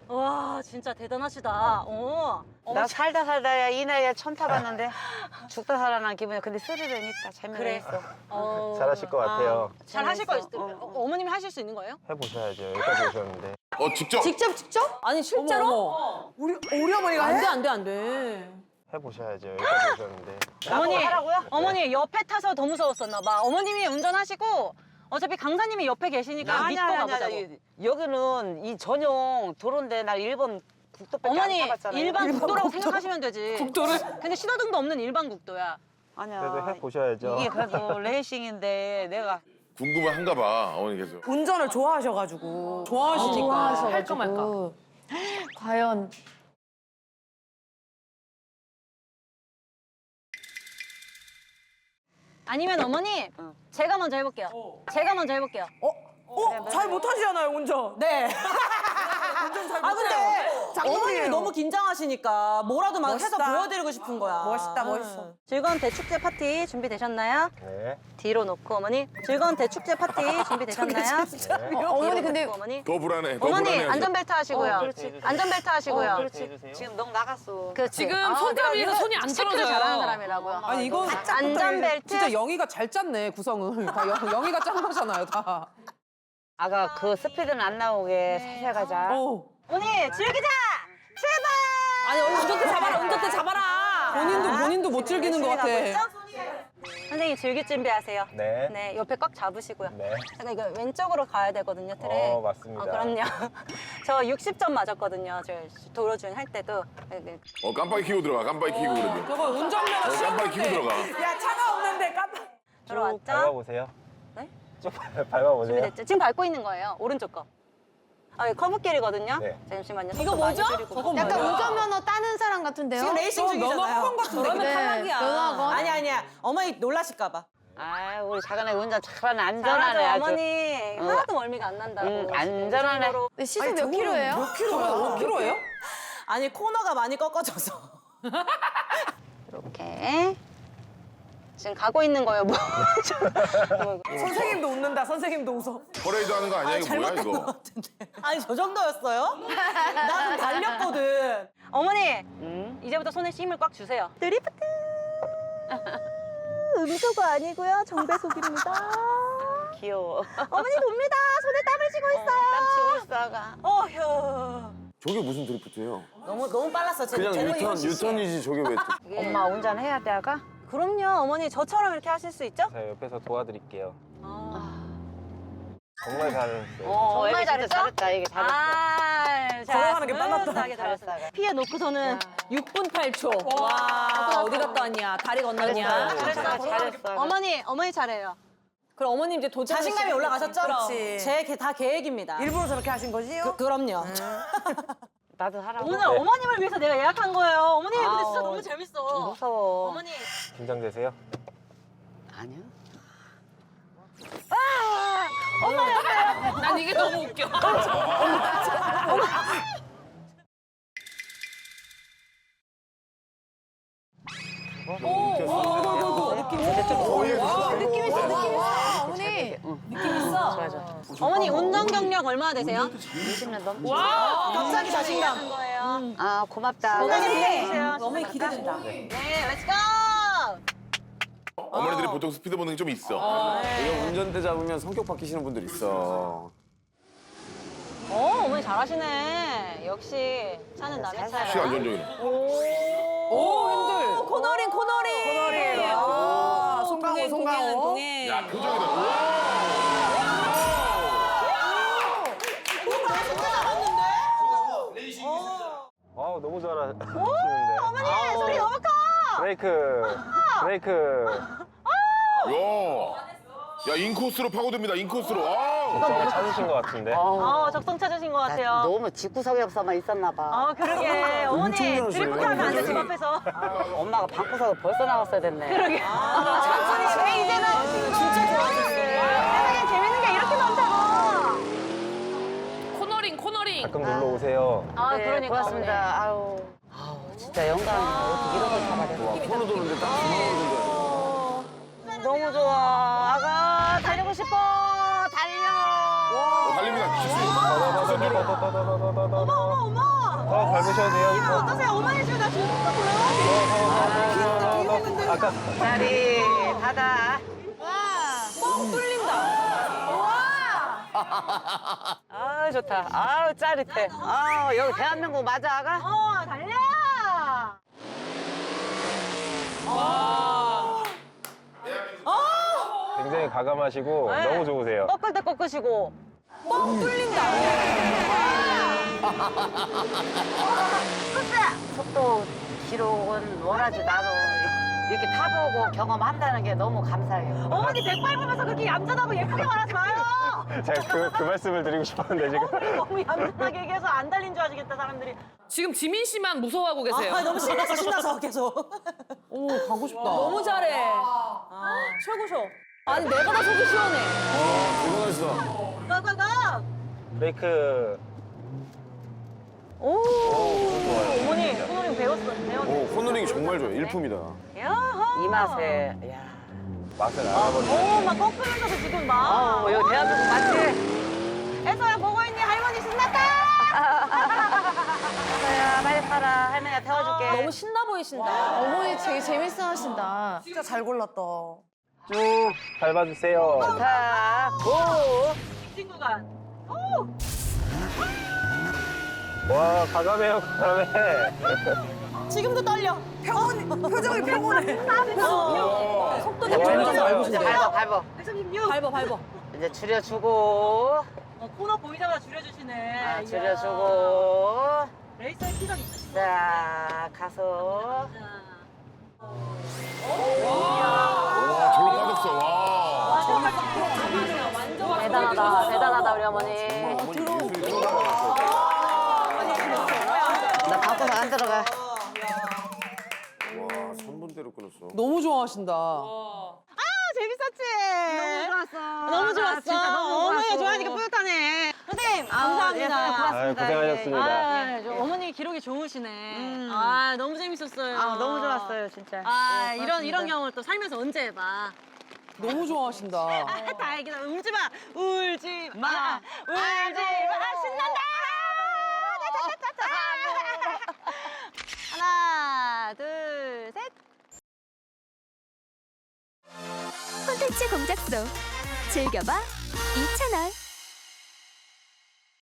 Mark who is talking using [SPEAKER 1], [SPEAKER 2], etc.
[SPEAKER 1] 와 진짜 대단하시다.
[SPEAKER 2] 나 살다 살다야 이 나이에 천 타봤는데 죽다 살아난 기분이야. 근데 스릴은 있다. 재미가
[SPEAKER 1] 그래.
[SPEAKER 2] 있어.
[SPEAKER 3] 잘하실 것 같아요.
[SPEAKER 1] 잘 하실 거 있어요. 어머님이 하실 수 있는 거예요?
[SPEAKER 3] 해보셔야죠. 여기까지 오셨는데.
[SPEAKER 4] 직접?
[SPEAKER 1] 직접? 아니 실제로?
[SPEAKER 5] 우리 어머니가
[SPEAKER 1] 안
[SPEAKER 5] 해?
[SPEAKER 1] 돼, 안 돼, 안 돼.
[SPEAKER 3] 해보셔야죠. 여기까지 오셨는데.
[SPEAKER 1] 어머니,
[SPEAKER 2] 하라고요?
[SPEAKER 1] 어머니 옆에 타서 더 무서웠었나 봐. 어머님이 운전하시고 어차피 강사님이 옆에 계시니까 믿고 가보자고.
[SPEAKER 2] 여기는 이 전용 도로인데 나 일본 국도밖에
[SPEAKER 1] 어머니
[SPEAKER 2] 안 타봤잖아요.
[SPEAKER 1] 일반 국도라고 생각하시면 되지.
[SPEAKER 5] 국도를?
[SPEAKER 1] 근데 신호등도 없는 일반 국도야.
[SPEAKER 2] 아니야.
[SPEAKER 3] 그래도 해보셔야죠.
[SPEAKER 2] 이게 그래도 레이싱인데 내가
[SPEAKER 4] 궁금한가 봐, 어머니께서.
[SPEAKER 5] 운전을 좋아하셔가지고. 좋아하시니까. 할까 말까.
[SPEAKER 6] 과연
[SPEAKER 1] 아니면 어머니 제가 먼저 해볼게요. 제가 먼저 해볼게요.
[SPEAKER 5] 잘 못하시잖아요, 운전. 네. 운전 잘 못해요.
[SPEAKER 7] 근데 어머님이 너무 긴장하시니까 뭐라도 막 해서
[SPEAKER 5] 멋있다.
[SPEAKER 7] 보여드리고 싶은 거야.
[SPEAKER 5] 멋있다, 멋있어.
[SPEAKER 1] 즐거운 대축제 파티 준비되셨나요?
[SPEAKER 3] 네.
[SPEAKER 1] 뒤로 놓고 어머니. 즐거운 대축제 파티 준비되셨나요?
[SPEAKER 6] 어머니 근데
[SPEAKER 1] 어머니.
[SPEAKER 4] 더 불안해, 더
[SPEAKER 1] 어머니
[SPEAKER 4] 불안해.
[SPEAKER 1] 안전벨트 하시고요.
[SPEAKER 2] 그렇지.
[SPEAKER 1] 안전벨트 하시고요.
[SPEAKER 2] 그렇지. 지금 너 나갔어.
[SPEAKER 1] 그렇지.
[SPEAKER 7] 지금 손잡이에서 손이 안
[SPEAKER 1] 체크를
[SPEAKER 7] 떨어져요.
[SPEAKER 1] 잘하는 사람이라고요.
[SPEAKER 5] 아니, 이거
[SPEAKER 1] 안전벨트.
[SPEAKER 5] 진짜 영희가 잘 짰네, 구성을. 다 영희가 짠 거잖아요, 다.
[SPEAKER 2] 아가 그 스피드는 안 나오게 살살 가자.
[SPEAKER 1] 어머니 즐기자. 출발.
[SPEAKER 7] 아니 얼른 운전대 잡아라. 운전대 잡아라.
[SPEAKER 5] 본인도 못 즐기는 것 같아.
[SPEAKER 1] 선생님 즐길 준비하세요.
[SPEAKER 3] 네.
[SPEAKER 1] 네, 옆에 꽉 잡으시고요.
[SPEAKER 3] 네.
[SPEAKER 1] 잠깐 이거 왼쪽으로 가야 되거든요, 트랙.
[SPEAKER 3] 맞습니다.
[SPEAKER 1] 그럼요. 저 60점 맞았거든요. 저 도로 주행 할 때도. 네.
[SPEAKER 4] 깜빡이 켜고 들어가, 깜빡이 켜고 그래도.
[SPEAKER 5] 저거 운전면허 시험
[SPEAKER 4] 깜빡이 켜고 들어가.
[SPEAKER 5] 야, 차가 없는데 깜빡.
[SPEAKER 1] 들어왔죠?
[SPEAKER 3] 밟아보세요.
[SPEAKER 1] 네?
[SPEAKER 3] 쭉 밟아보세요.
[SPEAKER 1] 준비됐죠? 지금 밟고 있는 거예요, 오른쪽 거. 이거 커브길이거든요.
[SPEAKER 3] 네.
[SPEAKER 1] 잠시만요.
[SPEAKER 7] 이거
[SPEAKER 1] 속도 많이
[SPEAKER 7] 뭐죠?
[SPEAKER 1] 줄이고.
[SPEAKER 5] 저건
[SPEAKER 6] 약간
[SPEAKER 5] 뭐야?
[SPEAKER 6] 운전면허 따는 사람 같은데요?
[SPEAKER 7] 지금 레이싱
[SPEAKER 5] 면허
[SPEAKER 7] 중이잖아요.
[SPEAKER 5] 학원 같은데.
[SPEAKER 7] 저러면
[SPEAKER 6] 네,
[SPEAKER 7] 탈락이야.
[SPEAKER 6] 면허학원.
[SPEAKER 7] 아니야. 어머니 놀라실까 봐.
[SPEAKER 2] 아, 우리 작은 애 운전 잘하네. 안전하네
[SPEAKER 1] 잘하죠,
[SPEAKER 2] 아주.
[SPEAKER 1] 어머니. 하나도 멀미가 안 난다고.
[SPEAKER 2] 안전하네.
[SPEAKER 6] 네, 시속 몇 킬로예요?
[SPEAKER 5] 몇 킬로야? 5킬로예요?
[SPEAKER 7] 아니 코너가 많이 꺾어져서.
[SPEAKER 1] 이렇게. 지금 가고 있는 거예요, 뭐.
[SPEAKER 5] 선생님도 웃는다, 선생님도 웃어.
[SPEAKER 4] 퍼레이드 하는 거 아니야, 이거 뭐야,
[SPEAKER 7] 잘못된 것
[SPEAKER 4] 이거?
[SPEAKER 7] 같은데. 아니 저 정도였어요? 나 좀 달렸거든.
[SPEAKER 1] 어머니, 이제부터 손에 힘을 꽉 주세요. 드리프트. 음소거 아니고요, 정배속입니다.
[SPEAKER 2] 귀여워.
[SPEAKER 1] 어머니 봅니다. 손에 땀을 쥐고 있어요.
[SPEAKER 2] 땀 치고 있어, 아가.
[SPEAKER 1] 어휴.
[SPEAKER 8] 저게 무슨 드리프트예요?
[SPEAKER 7] 너무 빨랐어.
[SPEAKER 8] 그냥 유턴이지 저게 왜?
[SPEAKER 2] 엄마 운전해야 돼, 아가?
[SPEAKER 1] 그럼요, 어머니 저처럼 이렇게 하실 수 있죠?
[SPEAKER 3] 제가 옆에서 도와드릴게요.
[SPEAKER 1] 아.
[SPEAKER 3] 정말 잘했어요.
[SPEAKER 1] 정말
[SPEAKER 2] 애기 진짜
[SPEAKER 1] 잘했어?
[SPEAKER 2] 잘했다, 이게 잘했어.
[SPEAKER 5] 걸어가는 게 빨랐다.
[SPEAKER 1] 스무스하게 잘했어. 피해 놓고서는
[SPEAKER 7] 6분 8초. 와 어디 갔다 왔냐? 다리 건넜냐?
[SPEAKER 2] 잘했어.
[SPEAKER 1] 어머니 잘해요.
[SPEAKER 7] 그럼 어머님 이제 도전 자신감이 올라가셨죠?
[SPEAKER 5] 그렇지.
[SPEAKER 7] 다 계획입니다.
[SPEAKER 5] 일부러 저렇게 하신 거지요?
[SPEAKER 7] 그럼요.
[SPEAKER 2] 나도 하라고.
[SPEAKER 1] 오늘 어머님을 위해서 내가 예약한 거예요. 어머님 근데 진짜
[SPEAKER 2] 아우,
[SPEAKER 1] 너무 재밌어.
[SPEAKER 2] 무서워.
[SPEAKER 1] 어머니.
[SPEAKER 3] 긴장되세요?
[SPEAKER 2] 아니야.
[SPEAKER 7] 난 이게 너무 웃겨.
[SPEAKER 6] 어머니.
[SPEAKER 2] 좋아, 좋아.
[SPEAKER 1] 어머니 운전 경력 얼마나 되세요?
[SPEAKER 2] 20년 넘지.
[SPEAKER 7] 갑자기 자신감.
[SPEAKER 1] 예약한 거예요.
[SPEAKER 2] 아, 고맙다.
[SPEAKER 1] 건강히 기대해주세요.
[SPEAKER 7] 어머니 기대된다.
[SPEAKER 1] 네, 렛츠고!
[SPEAKER 4] 어머니들이 보통 스피드 본능이 좀 있어.
[SPEAKER 8] 이거 운전대 잡으면 성격 바뀌시는 분들 있어.
[SPEAKER 1] 어머니 잘하시네. 역시 차는 남의
[SPEAKER 4] 혹시
[SPEAKER 1] 차예요.
[SPEAKER 4] 안전적이네.
[SPEAKER 5] 오, 핸들.
[SPEAKER 7] 코너링.
[SPEAKER 5] 코너링. 아, 송강호.
[SPEAKER 7] 동해.
[SPEAKER 4] 야, 표정이다. 우와!
[SPEAKER 3] 너무 잘하시는데.
[SPEAKER 1] 어머니 소리 너무 커!
[SPEAKER 3] 브레이크.
[SPEAKER 4] 야, 인코스로 파고듭니다, 인코스로. 아!
[SPEAKER 3] 적성을 찾으신 것 같은데.
[SPEAKER 1] 적성 찾으신 것 같아요.
[SPEAKER 2] 너무 집구석에 없어만 있었나 봐.
[SPEAKER 1] 그러게. 어머니
[SPEAKER 8] 잘하시네.
[SPEAKER 1] 드리프트 하면 안 돼, 집 앞에서.
[SPEAKER 2] 엄마가 방구석에 벌써 나왔어야 됐네.
[SPEAKER 1] 그러게. 천천히 왜 이제는 진짜 좋아졌어요. 세상에 재밌는 게 이렇게 많다고.
[SPEAKER 7] 코너링.
[SPEAKER 3] 가끔 놀러 오세요.
[SPEAKER 2] 네,
[SPEAKER 1] 그러니까.
[SPEAKER 2] 고맙습니다. 아우, 진짜 영광이네. 어떻게 이런 걸 잡아야
[SPEAKER 8] 와, 코너 도는데 딱 중앙으로
[SPEAKER 2] 너무 좋아. 아가, 달리고 싶어. 달려.
[SPEAKER 4] 달립니다. 직수.
[SPEAKER 1] 어머.
[SPEAKER 3] 더 밟으셔도 돼요.
[SPEAKER 1] 기분 어떠세요? 어머니 지금 나 죽는 거 보여?
[SPEAKER 3] 아까
[SPEAKER 2] 자리 바다.
[SPEAKER 1] 뻥 뚫린다.
[SPEAKER 2] 아 좋다. 아우 짜릿해. 아 여기 대한민국 맞아 아가?
[SPEAKER 1] 달려.
[SPEAKER 3] 굉장히 가감하시고 너무 좋으세요.
[SPEAKER 1] 꺾을 때 꺾으시고. 뻥 뚫린다.
[SPEAKER 2] 속도 기록은 원하지 나도 이렇게 타보고 경험한다는 게 너무 감사해요.
[SPEAKER 1] 어머니 백 밟으면서 그렇게 얌전하고 예쁘게 말하지 마요.
[SPEAKER 3] 제가 그 말씀을 드리고 싶었는데 지금.
[SPEAKER 1] 너무 얌전하게 얘기해서 안 달린 줄 아시겠다 사람들이.
[SPEAKER 9] 지금 지민 씨만 무서워하고 계세요.
[SPEAKER 7] 아, 너무 신나서 계속.
[SPEAKER 5] 오, 가고 싶다.
[SPEAKER 1] 너무 잘해. 최고셔. 아니 내가 다 속이 시원해.
[SPEAKER 8] 대단하시다.
[SPEAKER 1] 가가가.
[SPEAKER 3] 브레이크.
[SPEAKER 1] 오.
[SPEAKER 3] 좋아요.
[SPEAKER 1] 어머니 코너링 배웠네.
[SPEAKER 8] 오, 코너링이 정말 좋아요. 일품이다.
[SPEAKER 1] 야하.
[SPEAKER 2] 이 맛에 야.
[SPEAKER 3] 맛을 알아버리네.
[SPEAKER 1] 막 꺾으면서도 지금 막.
[SPEAKER 2] 여기 대한민국 맞지?
[SPEAKER 1] 애서야 보고 있니? 할머니 신났다.
[SPEAKER 2] 야 빨리 타라. 할머니가 태워줄게.
[SPEAKER 1] 너무 신나 보이신다.
[SPEAKER 6] 어머니 되게 재밌어 하신다.
[SPEAKER 7] 진짜 잘 골랐다.
[SPEAKER 3] 쭉 밟아주세요.
[SPEAKER 2] 자, 고!
[SPEAKER 1] 친구가.
[SPEAKER 3] 와, 가감해요, 가감해.
[SPEAKER 1] 지금도 떨려.
[SPEAKER 7] 표정이 평온해.
[SPEAKER 1] 속도
[SPEAKER 3] 와,
[SPEAKER 1] 내려가면서
[SPEAKER 3] 진짜.
[SPEAKER 2] 밟아, 밟아.
[SPEAKER 1] 136. 밟아.
[SPEAKER 2] 이제 줄여주고,
[SPEAKER 1] 코너 보이자마자 줄여주시네.
[SPEAKER 2] 아,
[SPEAKER 1] 이야.
[SPEAKER 2] 줄여주고.
[SPEAKER 1] 레이서의 피가 있으시네.
[SPEAKER 2] 자, 가서.
[SPEAKER 4] 와, 절로 빠졌어. 와.
[SPEAKER 1] 대단하다 우리 어머니.
[SPEAKER 2] 나 바꿔서 안 들어가.
[SPEAKER 8] 와, 3분대로 끊었어.
[SPEAKER 5] 너무 좋아하신다.
[SPEAKER 1] 재밌었지? 너무 좋았어.
[SPEAKER 2] 진짜 너무
[SPEAKER 1] 어머니가
[SPEAKER 2] 좋았어.
[SPEAKER 1] 좋아하니까 뿌듯하네. 선생님,
[SPEAKER 2] 예,
[SPEAKER 1] 감사합니다.
[SPEAKER 3] 아유, 고생하셨습니다.
[SPEAKER 1] 어머니 기록이 좋으시네. 너무 재밌었어요.
[SPEAKER 2] 너무 좋았어요, 진짜.
[SPEAKER 1] 이런 경험을 또 살면서 언제 해봐.
[SPEAKER 5] 너무 좋아하신다.
[SPEAKER 1] 다행이다. 울지 마. 울지 마. 신난다. 하나, 둘, 셋.
[SPEAKER 10] 콘텐츠 공작소 즐겨봐 이채널.